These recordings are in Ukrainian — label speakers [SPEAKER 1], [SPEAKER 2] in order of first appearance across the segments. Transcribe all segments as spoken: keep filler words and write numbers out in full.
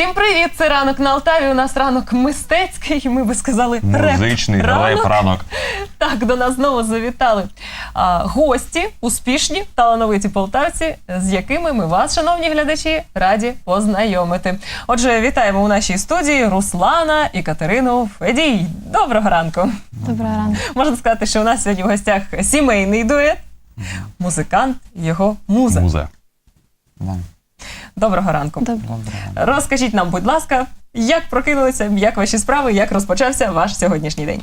[SPEAKER 1] Всім привіт! Це ранок на Алтаві. У нас ранок мистецький, ми би сказали реп.
[SPEAKER 2] Музичний
[SPEAKER 1] ранок.
[SPEAKER 2] реп-ранок.
[SPEAKER 1] Так, до нас знову завітали а, гості, успішні, талановиті полтавці, з якими ми вас, шановні глядачі, раді познайомити. Отже, вітаємо у нашій студії Руслана і Катерину Федій. Доброго ранку!
[SPEAKER 3] Доброго ранку.
[SPEAKER 1] Можна сказати, що у нас сьогодні в гостях сімейний дует, музикант, його муза.
[SPEAKER 2] Муза.
[SPEAKER 4] Да.
[SPEAKER 1] Доброго ранку.
[SPEAKER 3] Доброго.
[SPEAKER 1] Розкажіть нам, будь ласка, як прокинулися, як ваші справи, як розпочався ваш сьогоднішній день?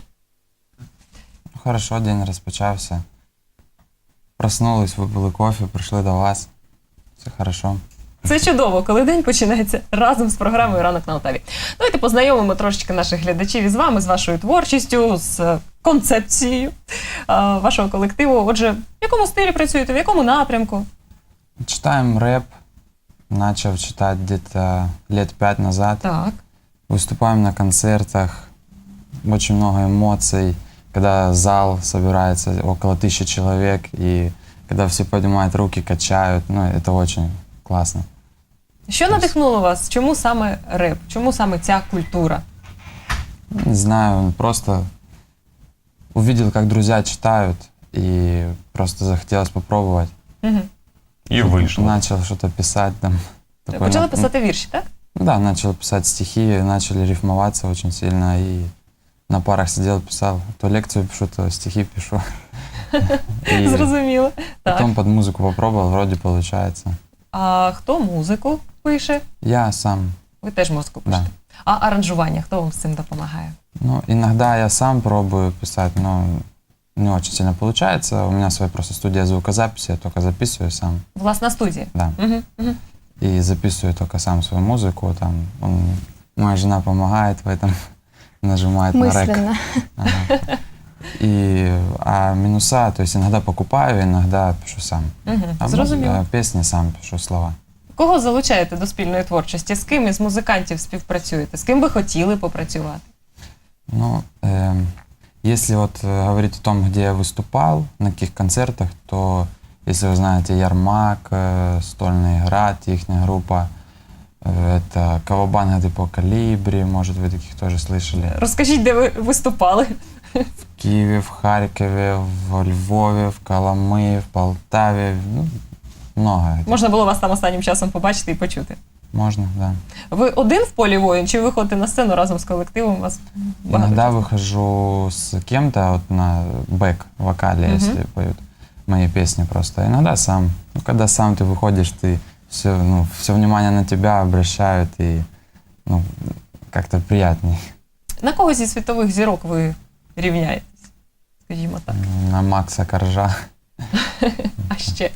[SPEAKER 4] Хорошо, день розпочався. Проснулись, випили кофе, прийшли до вас. Все хорошо.
[SPEAKER 1] Це чудово, коли день починається разом з програмою «Ранок на Алтаві». Давайте познайомимо трошечки наших глядачів із вами, з вашою творчістю, з концепцією а, вашого колективу. Отже, в якому стилі працюєте, в якому напрямку?
[SPEAKER 4] Читаем рэп. Начал читать где-то лет пять назад.
[SPEAKER 1] Так.
[SPEAKER 4] Выступаем на концертах. Очень много эмоций. Когда зал собирается около тысячи человек, и когда все поднимают руки, качают. Ну, это очень классно.
[SPEAKER 1] Що надихнуло вас? Чому саме реп? Чому саме ця культура?
[SPEAKER 4] Не знаю, просто увидел, как друзья читают, и просто захотелось попробовать.
[SPEAKER 1] Угу.
[SPEAKER 2] І вийшло.
[SPEAKER 4] Начал что-то писать там. Такое,
[SPEAKER 1] Почали
[SPEAKER 4] ну,
[SPEAKER 1] писати вірші, так?
[SPEAKER 4] Ну да, начал писать стихи, начали рифмоваться очень сильно, и на парах сидел, писал. То лекцию пишу, то стихи пишу. И
[SPEAKER 1] Зрозуміло. Так.
[SPEAKER 4] потом под музыку попробовал, вроде получается.
[SPEAKER 1] А хто музику пише?
[SPEAKER 4] Я сам,
[SPEAKER 1] Ви теж музику
[SPEAKER 4] да.
[SPEAKER 1] пишете. А аранжування, хто вам з цим допомагає?
[SPEAKER 4] Ну, иногда я сам пробую писать, но не очень сильно получается. У меня своя просто студия звукозаписи, я только записываю сам,
[SPEAKER 1] Власна студія.
[SPEAKER 4] да.
[SPEAKER 1] Угу, угу.
[SPEAKER 4] И записываю только сам свою музыку, там, он, моя жена помогает в этом, нажимает на рек.
[SPEAKER 3] Мысленно.
[SPEAKER 4] Ага. И, а минуса, то есть иногда покупаю, иногда пишу сам.
[SPEAKER 1] Угу.
[SPEAKER 4] А
[SPEAKER 1] Зрозуміло.
[SPEAKER 4] муз- а песни сам пишу слова.
[SPEAKER 1] Кого залучаєте до спільної творчості? З ким із музикантів співпрацюєте? З ким би хотіли попрацювати?
[SPEAKER 4] Ну, эм, если вот э, говорить о том, где я выступал, на каких концертах, то, если вы знаете, Ярмак, э, Стольный Град, их группа, э, это Кавабанга по Калибри, может, вы таких тоже слышали.
[SPEAKER 1] Розкажіть, де ви виступали?
[SPEAKER 4] В Киеве, в Харькове, в Львове, в Коломые, в Полтаве, ну, много.
[SPEAKER 1] Можна було вас там останнім часом побачити і почути.
[SPEAKER 4] Можно, да.
[SPEAKER 1] Ви один в полі воїн, чи ви виходите на сцену разом з колективом? У вас багато
[SPEAKER 4] Иногда
[SPEAKER 1] часу?
[SPEAKER 4] выхожу с кем-то вот на бэк вокале,
[SPEAKER 1] Мгм.
[SPEAKER 4] если поют мои песни просто. Иногда сам. Ну, когда сам ты выходишь, ты все, ну, все внимание на тебя обращают, и ну, как-то приятней.
[SPEAKER 1] На кого зі світових зірок ви рівняєтесь? Скажімо так.
[SPEAKER 4] На Макса Коржа.
[SPEAKER 1] А ще?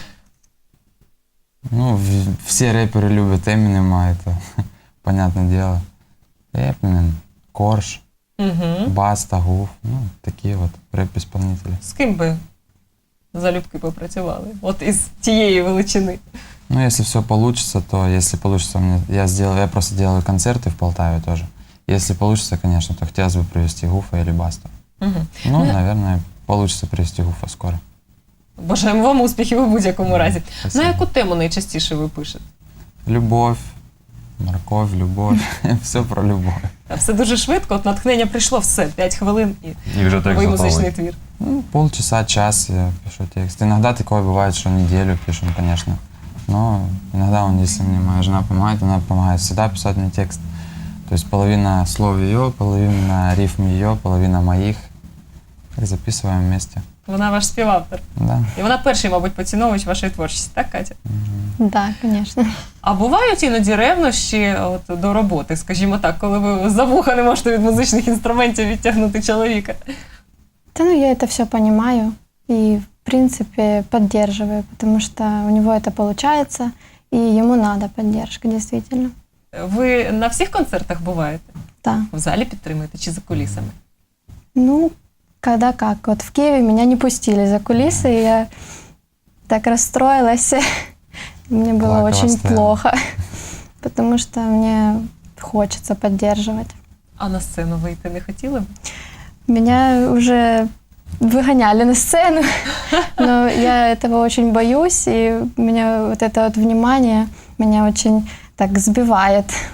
[SPEAKER 4] Ну, в- все рэперы любят Эминема, это понятное дело. Эминем, Корж,
[SPEAKER 1] Угу.
[SPEAKER 4] Баста, Гуф, ну, такие вот рэп-исполнители.
[SPEAKER 1] З ким би залюбки попрацювали? От із тієї величини.
[SPEAKER 4] Ну, если все получится, то если получится, мне, я сделаю, я просто делаю концерты в Полтаве тоже. Если получится, конечно, то хотелось бы привезти Гуфа или Басту.
[SPEAKER 1] Угу.
[SPEAKER 4] Ну,
[SPEAKER 1] Ну,
[SPEAKER 4] наверное, получится привезти Гуфа скоро.
[SPEAKER 1] Бажаємо вам успіхів у будь-якому разі.
[SPEAKER 4] Спасибо.
[SPEAKER 1] На яку тему найчастіше ви пишете?
[SPEAKER 4] Любовь, морковь, любовь, все про любовь.
[SPEAKER 1] Та Все дуже швидко, от натхнення прийшло, все, п'ять хвилин і
[SPEAKER 2] І вже текст
[SPEAKER 1] новий музичний
[SPEAKER 2] готовий.
[SPEAKER 1] твір.
[SPEAKER 4] Ну, полчаса, час я пишу текст. Иногда такое бывает, что неделю пишем, конечно. Но иногда, он, если мне моя жена помогает, она помогает всегда писать мне текст. То есть половина слов ее, половина рифм ее, половина моих. Так записываем вместе.
[SPEAKER 1] Вона ваш співавтор.
[SPEAKER 4] Да.
[SPEAKER 1] І вона перший, мабуть, поціновувач вашої творчості, так, Катя?
[SPEAKER 3] Да, конечно.
[SPEAKER 1] А бувають іноді ревнощі от, до роботи, скажімо так, коли ви за вуха не можете від музичних інструментів відтягнути чоловіка?
[SPEAKER 3] Да, ну я это все понимаю и, в принципе, поддерживаю, потому что у него это получается, и ему надо поддержка, действительно.
[SPEAKER 1] Ви на всіх концертах буваєте?
[SPEAKER 3] Да.
[SPEAKER 1] В залі підтримуєте чи за кулісами?
[SPEAKER 3] Ну, когда как. Вот в Киеве меня не пустили за кулисы, и я так расстроилась. Мне было
[SPEAKER 4] Плакала,
[SPEAKER 3] очень
[SPEAKER 4] стояла.
[SPEAKER 3] плохо, потому что мне хочется поддерживать.
[SPEAKER 1] А на сцену вийти не хотіли б?
[SPEAKER 3] Меня уже выгоняли на сцену, но я этого очень боюсь, и меня вот это вот внимание меня очень так сбивает.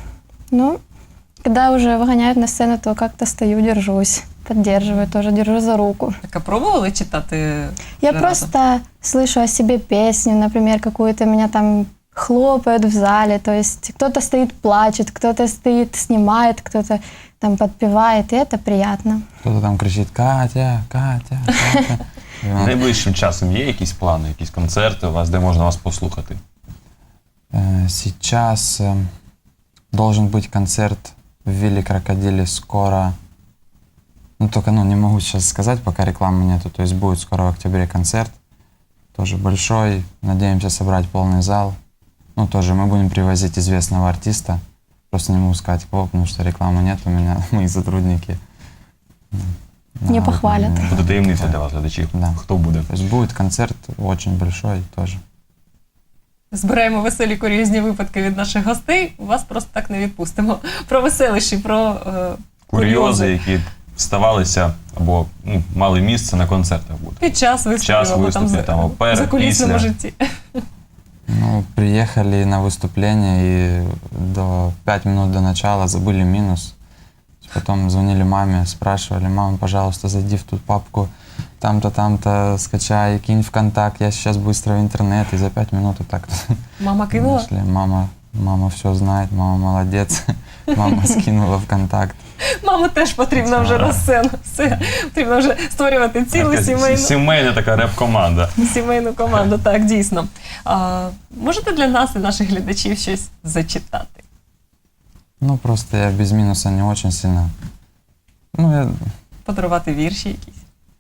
[SPEAKER 3] Ну, когда уже выгоняют на сцену, то как-то стою, держусь, поддерживаю тоже, держу за руку.
[SPEAKER 1] Так, а пробували читати?
[SPEAKER 3] Я
[SPEAKER 1] разом?
[SPEAKER 3] просто слышу о себе песню, например, какую-то меня там хлопают в зале, то есть кто-то стоит, плачет, кто-то стоит, снимает, кто-то там подпевает, и это приятно.
[SPEAKER 4] Кто-то там кричит «Катя, Катя, Катя». І вона
[SPEAKER 2] Найближчим часом є якісь плани, якісь концерти у вас, де можна вас послухати?
[SPEAKER 4] Э, Сейчас э, должен быть концерт в Вилле Крокодиле скоро. Ну, только ну, не могу сейчас сказать, пока рекламы нету. То есть будет скоро в октябре концерт. Тоже большой. Надеемся собрать полный зал. Ну, тоже мы будем привозить известного артиста. Просто не могу сказать кого, потому что рекламы нет у меня. Мои сотрудники.
[SPEAKER 3] Не
[SPEAKER 4] Да,
[SPEAKER 3] похвалят.
[SPEAKER 4] вот,
[SPEAKER 2] Буде таємниця для вас, глядачів.
[SPEAKER 4] Да.
[SPEAKER 2] Хто буде?
[SPEAKER 4] То есть будет концерт очень большой тоже.
[SPEAKER 1] Збираємо веселі курйозні випадки від наших гостей, вас просто так не відпустимо. Про веселищі, про е,
[SPEAKER 2] Курйози, які ставалися або ну, мали місце на концертах буде.
[SPEAKER 1] під час виступів,
[SPEAKER 2] Час
[SPEAKER 1] або там
[SPEAKER 2] виступів, там,
[SPEAKER 1] за,
[SPEAKER 2] перед,
[SPEAKER 1] за кулісному
[SPEAKER 2] після.
[SPEAKER 1] житті.
[SPEAKER 4] Ну, приехали на выступление и до пять минут до начала забыли минус. Потом звонили маме, спрашивали: мама, пожалуйста, зайди в ту папку, там-то, там-то скачай, кинь в контакт, я сейчас быстро в интернет. И за пять минут вот так
[SPEAKER 1] Мама кинула?
[SPEAKER 4] нашли. Мама, мама все знает, мама молодец. Мама скинула в контакт.
[SPEAKER 1] Маму теж потрібно вже на сцену. Все, потрібно вже створювати цілу
[SPEAKER 2] Така
[SPEAKER 1] сімейну,
[SPEAKER 2] Сімейна така реп-команда.
[SPEAKER 1] сімейну команду. Так, дійсно. А, можете для нас і наших глядачів щось зачитати?
[SPEAKER 4] Ну, просто я без минуса не очень сильно. Ну, я
[SPEAKER 1] Подарувати вірші якісь?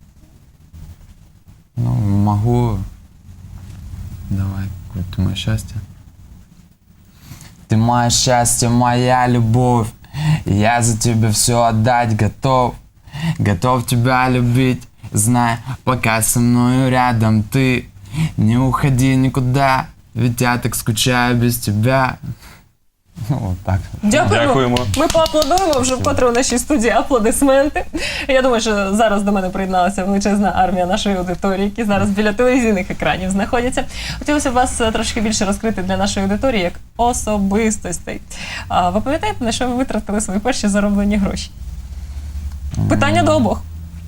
[SPEAKER 4] ну, могу. Давай, какое ты мое счастье. Ты мое счастье, моя любовь. Я за тебя все отдать готов. Готов тебя любить, знай, пока со мною рядом ты. Не уходи никуда, ведь я так скучаю без тебя. Ну, вот так.
[SPEAKER 1] Дякуємо.
[SPEAKER 2] Дякуємо.
[SPEAKER 1] Ми поаплодуємо вже вкотре у нашій студії. Аплодисменти. Я думаю, що зараз до мене приєдналася величезна армія нашої аудиторії, які зараз біля телевізійних екранів знаходяться. Хотілося б вас е, трошки більше розкрити для нашої аудиторії як особистостей. А ви пам'ятаєте, на що ви витратили свої перші зароблені гроші? Питання до обох.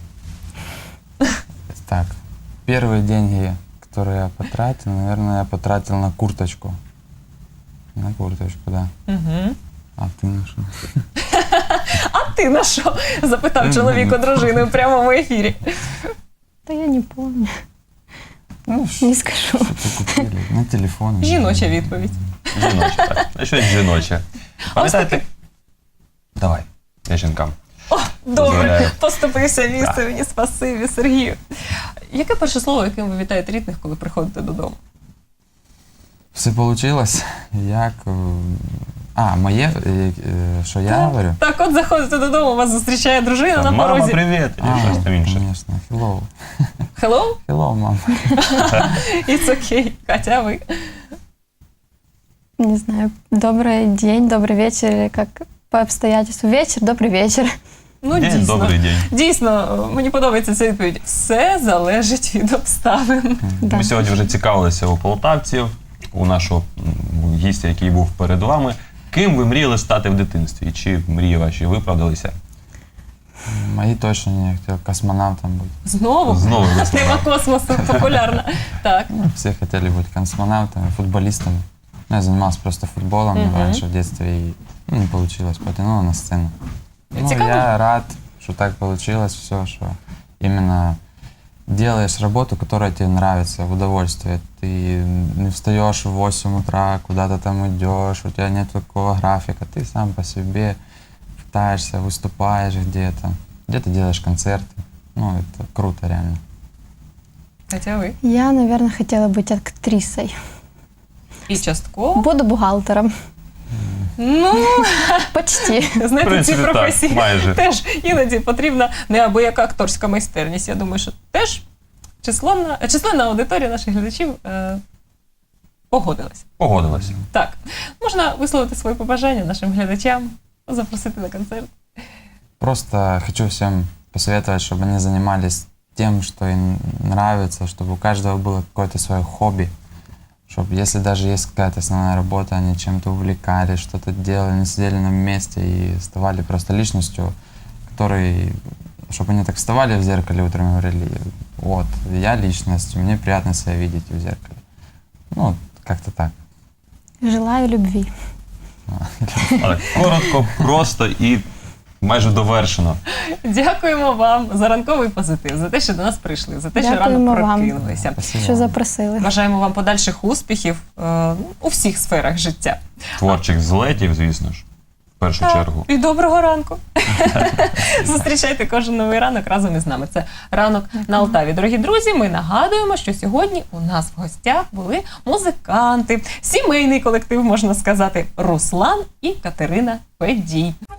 [SPEAKER 4] Так, первые деньги, которые я потратил, наверное, я потратил на курточку. На курточку, да.
[SPEAKER 1] Угу.
[SPEAKER 4] А ты на что?
[SPEAKER 1] А ти на що? Запитав чоловік у дружини в прямому ефірі.
[SPEAKER 3] Да я не помню,
[SPEAKER 4] Ну,
[SPEAKER 3] не скажу.
[SPEAKER 4] что купили? На телефон.
[SPEAKER 1] Жіноча відповідь.
[SPEAKER 2] Жіноче, так. А щось жіноче. Пам'ятаєте? Давай, я жінкам.
[SPEAKER 1] О, добре,
[SPEAKER 2] Дозволяю.
[SPEAKER 1] поступився місце мені, спасибі, Сергію. Яке перше слово, яким ви вітаєте рідних, коли приходите додому?
[SPEAKER 4] Все получилось. Як... е, А, моє, е, е, що я говорю?
[SPEAKER 1] Так, от заходите додому, вас зустрічає дружина
[SPEAKER 2] Там,
[SPEAKER 1] на
[SPEAKER 2] мама,
[SPEAKER 1] порозі.
[SPEAKER 2] привіт! І
[SPEAKER 4] А,
[SPEAKER 2] щось там інше.
[SPEAKER 4] конечно. Hello.
[SPEAKER 1] Hello,
[SPEAKER 4] Hello, мам.
[SPEAKER 1] it's okay. Катя, а ви?
[SPEAKER 3] Не знаю, добрый день, добрый вечер, или как по обстоятельству. Вечер, добрый вечер.
[SPEAKER 1] Ну,
[SPEAKER 2] День,
[SPEAKER 1] дійсно.
[SPEAKER 2] добрий день.
[SPEAKER 1] Дійсно, мені подобається ця відповідь. Все залежить від обставин.
[SPEAKER 3] Да.
[SPEAKER 2] Ми сьогодні вже цікавилися у полтавців, у нашого м, гістя, який був перед вами. Ким ви мріяли стати в дитинстві? Чи мрії ваші виправдалися?
[SPEAKER 4] Мои точно не хотел космонавтом быть.
[SPEAKER 1] Знову?
[SPEAKER 2] Знову
[SPEAKER 1] Тема
[SPEAKER 2] космонавт.
[SPEAKER 1] космосу популярна. Так.
[SPEAKER 4] Ну, все хотели быть космонавтами, футболистами. Ну, я занимался просто футболом
[SPEAKER 1] Мгм.
[SPEAKER 4] раньше в детстве, и ну, не получилось, потянуло на сцену. Ну,
[SPEAKER 1] Цікаво.
[SPEAKER 4] я рад, что так получилось все, что именно делаешь работу, которая тебе нравится, в удовольствие. Ты не встаешь в восемь утра, куда-то там идешь, у тебя нет такого графика, ты сам по себе пытаешься, выступаешь где-то, где-то делаешь концерты. Ну, это круто реально.
[SPEAKER 1] Катя, а ви?
[SPEAKER 3] Я, наверное, хотела быть актрисой.
[SPEAKER 1] І частково.
[SPEAKER 3] Буду бухгалтером.
[SPEAKER 1] Ну,
[SPEAKER 3] Почти.
[SPEAKER 1] знаєте,
[SPEAKER 2] В принципі,
[SPEAKER 1] ці
[SPEAKER 2] так,
[SPEAKER 1] професії
[SPEAKER 2] майже.
[SPEAKER 1] теж іноді потрібна неабияка акторська майстерність. Я думаю, що теж численна, численна аудиторія наших глядачів е, погодилася.
[SPEAKER 2] Погодилася.
[SPEAKER 1] Так, можна висловити свої побажання нашим глядачам, запросити на концерт.
[SPEAKER 4] Просто хочу всем посоветовать, чтобы они занимались тем, что им нравится, чтобы у каждого было какое-то свое хобби, чтобы если даже есть какая-то основная работа, они чем-то увлекались, что-то делали, не сидели на месте и ставали просто личностью, который, чтобы они так вставали в зеркале утром и говорили, вот, я личность, мне приятно себя видеть в зеркале. Ну, как-то так.
[SPEAKER 3] Желаю любви.
[SPEAKER 2] Але коротко, просто і майже довершено.
[SPEAKER 1] Дякуємо вам за ранковий позитив, за те, що до нас прийшли, за те, що
[SPEAKER 3] Дякуємо
[SPEAKER 1] рано
[SPEAKER 3] вам.
[SPEAKER 1] прокинулися.
[SPEAKER 4] Спасибо
[SPEAKER 3] Що
[SPEAKER 4] вам.
[SPEAKER 3] запросили.
[SPEAKER 1] Бажаємо вам подальших успіхів е, у всіх сферах життя.
[SPEAKER 2] Творчих злетів, звісно ж, в першу
[SPEAKER 1] Так,
[SPEAKER 2] чергу.
[SPEAKER 1] І доброго ранку. Зустрічайте кожен новий ранок разом із нами. Це ранок на Алтаві. Дорогі друзі, ми нагадуємо, що сьогодні у нас в гостях були музиканти, сімейний колектив, можна сказати, Руслан і Катерина Педій.